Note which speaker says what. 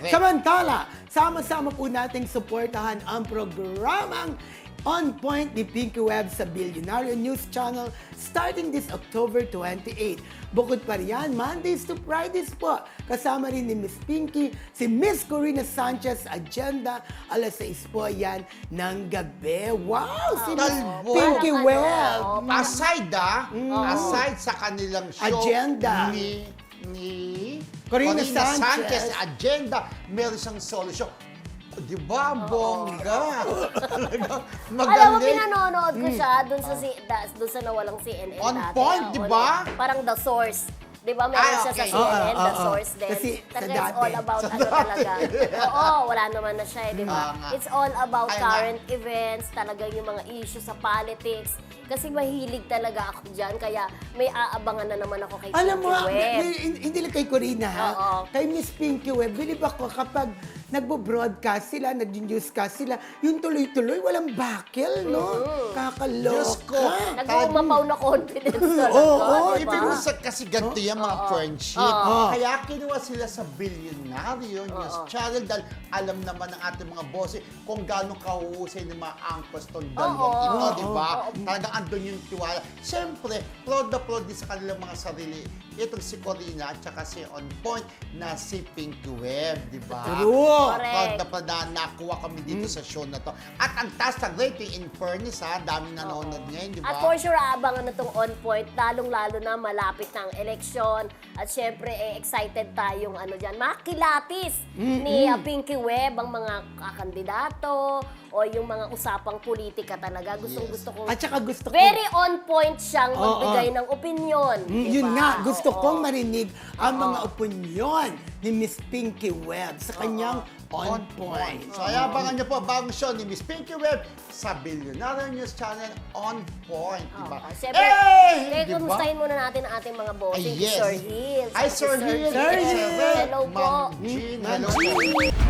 Speaker 1: Correct.
Speaker 2: Samantala, sama-sama po nating suportahan ang programang On Point ni Pinky Webb sa Billionaire News Channel starting this October 28. Bukod pa riyan, Mondays to Fridays po. Kasama rin ni Miss Pinky, si Miss Corina Sanchez Agenda, alas 6 po yan ng gabi. Wow! Si Miss
Speaker 1: Talbo.
Speaker 2: Pinky Webb!
Speaker 1: Aside sa kanilang show
Speaker 2: Agenda.
Speaker 1: ni
Speaker 2: Corina Sanchez.
Speaker 1: Agenda, meron siyang solo show. Di ba? Bongga. Talaga,
Speaker 3: Alam mo,
Speaker 1: magaling.
Speaker 3: pinanonood ko siya dun sa nawalang CNN
Speaker 1: On
Speaker 3: dati.
Speaker 1: point, di ba?
Speaker 3: Parang The Source. Di ba? Meron siya sa
Speaker 1: Okay.
Speaker 3: CNN, The
Speaker 2: Oo.
Speaker 3: Source din.
Speaker 2: Kasi sa
Speaker 3: Talaga, it's
Speaker 2: dati.
Speaker 3: all about
Speaker 1: Sa
Speaker 3: ano
Speaker 1: dati.
Speaker 3: talaga. Oo, wala naman na siya, di ba?
Speaker 1: nga.
Speaker 3: It's all about
Speaker 1: Kaya nga.
Speaker 3: current events, talaga yung mga issues sa politics. Kasi mahilig talaga ako dyan, kaya may aabangan na naman ako kay
Speaker 2: Alam mo,
Speaker 3: Pinky Webb.
Speaker 2: hindi lang kay Corina ha,
Speaker 3: Oo.
Speaker 2: kay Miss Pinky Webb, bilib ako kapag nagbo-broadcast sila, nag-newscast sila, yung tuloy-tuloy, walang bakil, no? Kakaloka.
Speaker 1: Diyos ko.
Speaker 3: Nag-uumapaw na confidence talaga,
Speaker 2: Oo,
Speaker 3: di ba?
Speaker 1: Ibig sa kasi ganito yung mga friendship.
Speaker 2: Oo.
Speaker 1: Kaya kinuha sila sa Billionaire News Channel dahil alam naman ng ating mga bosses kung gaano kahuhusay ng mga angkos tong dalawang
Speaker 3: Oo.
Speaker 1: ito, di ba? Talagang andun yung tiwala. Siyempre, proud na proud din sa kanilang mga sarili. Itong si Corina at saka si On Point na si Pinky Webb, di ba?
Speaker 2: True.
Speaker 3: Correct.
Speaker 1: Proud na proud na nakuha kami dito sa show na to. At ang taas na rating in fairness ha, daming nanonood ngayon, di ba?
Speaker 3: At for sure, aabangan na itong On Point, lalong-lalo na malapit ng eleksyon. At syempre, excited tayong ano dyan, makilatis ni Pinky Webb, ang mga kandidato o yung mga usapang politika talaga. Gustong-gusto kong...
Speaker 2: At saka gusto ko,
Speaker 3: Very on point siyang magbigay ng opinion.
Speaker 2: yun
Speaker 3: diba?
Speaker 2: nga, gusto
Speaker 3: Oo.
Speaker 2: kong marinig ang mga opinyon ni Miss Pinky Webb sa kanyang On Point.
Speaker 1: So, ayabangan niyo po ang bagong show ni Miss Pinky Webb sa Billionaire News Channel On Point, di ba?
Speaker 3: Siyempre,
Speaker 1: Eh, di ba?
Speaker 3: kumustahin muna natin ang ating mga bossing,
Speaker 1: Ay, yes.
Speaker 3: Sir Hill.
Speaker 1: Ay, Sir Hill.
Speaker 2: Sir Hill.
Speaker 3: Hello po.
Speaker 1: Ma'am Jean,
Speaker 2: Ma'am
Speaker 1: hello po.
Speaker 2: Jean.